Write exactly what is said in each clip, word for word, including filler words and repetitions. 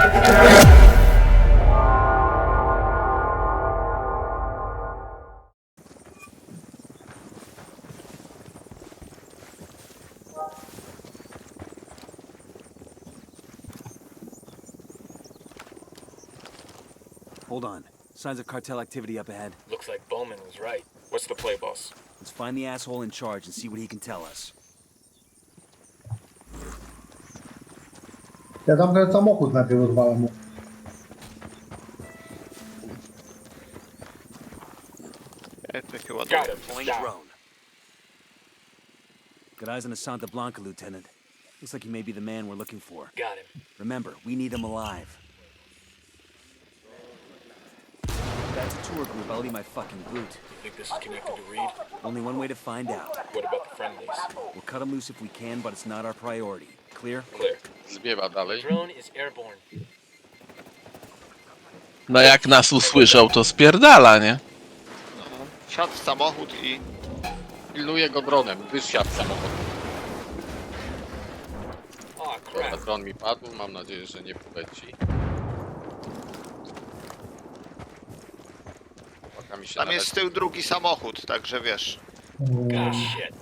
Hold on. Signs of cartel activity up ahead. Looks like Bowman was right. What's the play, boss? Let's find the asshole in charge and see what he can tell us. Ja tam ten samochód najpierw rozwalam mu. Efekt chyba Got dobry. him. Deploying Down. drone. Got eyes on a Santa Blanca, Lieutenant. Looks like he may be the man we're looking for. Got him. Remember, we need him alive. That's a tour group. I'll leave my fucking boot. You think this is connected to Reed? Only one way to find out. What about the friendlies? We'll cut him loose if we can, but it's not our priority. Clear? Clear. Zbiewa dalej. Drone is airborne. No jak nas usłyszał, to spierdala, nie? No, wsiadł w samochód i... Pilnuję go dronem, wysiadł samochód. Oh, Dobra, crap. dron mi padł, mam nadzieję, że nie poleci. Chłopaka mi się Tam jest z tyłu drugi samochód, także wiesz. Gosh, shit.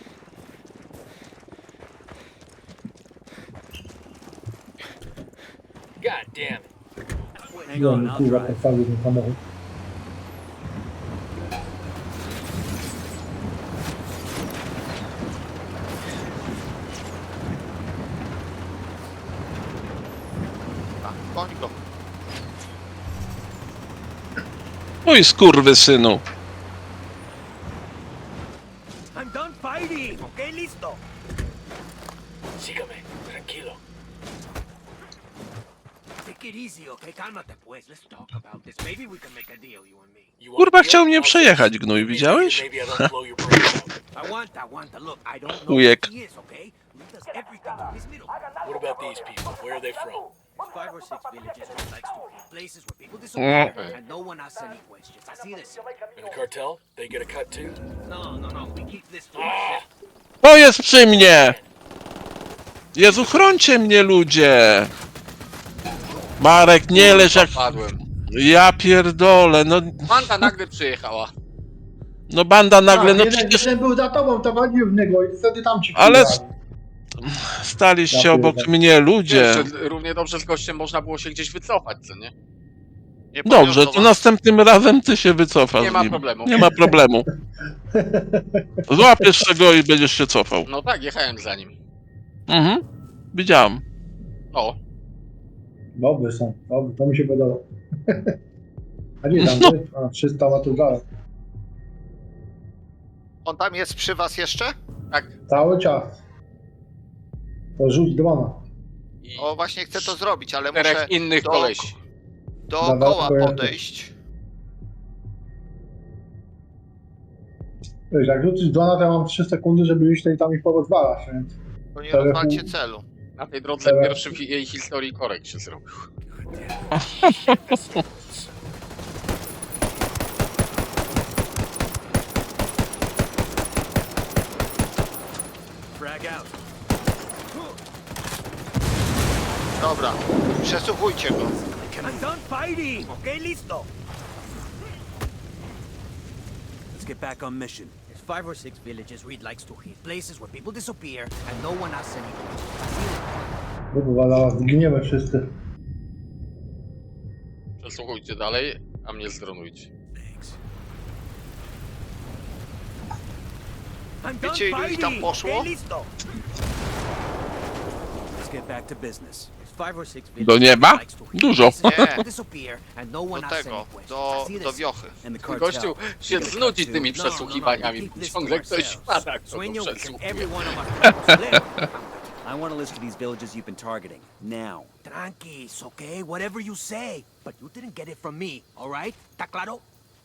God damn it. Hang on, Byłem I'll kurwa drive. postawił ten samochód. A, goń go. Mój skurwysynu. I'm done fighting. Okay, listo. Sígame. Tranquilo. Take it easy, okay? Cálmate, pues. Let's talk about this. Maybe we can make a deal, you and me. You want Kurwa, deal? chciał mnie I'll przejechać, fix it. gnój, Maybe- widziałeś? Maybe I don't blow your brains out. I want, I want. Look, I don't know Chujek. who he is, okay? He does everything in this middle. What about these people? Where are they from? Five or six villages with like stupid places where people disappear Mm. and no one asks any questions. I see this. And the cartel? They get a cut too? No, no, no. We keep this to Ah, ourselves. O, jest przy mnie! Jezu, chrońcie mnie, ludzie! Marek, nie leż jak... Padłem. Ja pierdolę, no... Banda nagle przyjechała. No banda nagle, no jeden, przecież... jeden był za tobą, to walił w niego i wtedy tam ci Ale- wkurwali. Staliście Ja obok pierdolę. mnie, Wiesz, ludzie. że równie dobrze z gościem można było się gdzieś wycofać, co nie? Nie Dobrze, poniosło to was. następnym razem ty się wycofasz Nie z ma nim. problemu. Nie ma problemu. Złapiesz czego i będziesz się cofał. No tak, jechałem za nim. Mhm. Widziałem. O, Dobry są, dobry, to mi się podoba. A nie tam, No. ty? A, trzysta metrów dalej. On tam jest przy was jeszcze? tak. Cały czas. To rzuć drona. I O, właśnie chcę to zrobić, ale muszę czterech innych do- kolesi. dookoła Dobra, podejść. Wiesz, jak rzucisz drona, to ja mam trzy sekundy, żeby iść tutaj tam ich porozwalać, więc... To nie Telefon- rozwalcie celu. Na tej drodze Dobra. pierwszy w jej historii korek się zrobił. Frag out. Dobra, przesłuchujcie go. I'm done fighting. Okay, listo. Let's get back on mission. There's five or six villages Reed likes to hit. Places where people disappear and no one asks any questions. Kurwa, zaraz zginiemy wszyscy. Przesłuchujcie dalej, a mnie zdronujcie. Thanks. I'm done Wiecie, ilu ich tam fighting. poszło? Okay, listo. Let's get back to business. There's five or six Do villages nieba? Reed likes to hit. Dużo. Places where Nie. people disappear and no one Do asks tego, any questions. do, I see do this. wiochy. And the cartel. Gościu się We get a znudzi cut tymi too. No, no, no, przesłuchiwaniami. we keep this Ciągle to ktoś ourselves. wpada, kto Sueño, go we can przesłuchuje. every one of us live. I want a list of these villages you've been targeting. Now. Tranquis, okay? Whatever you say. But you didn't get it from me, all right? ¿Está claro?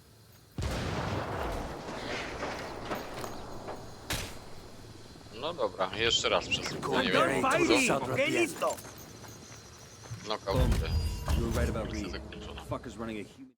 No dobra, jeszcze raz przesłuchuję. Nie I'm wiem, done co to fighting. Okay, listo. knockout. You were right about Misja Reed. zakończona. Fucker's running a human...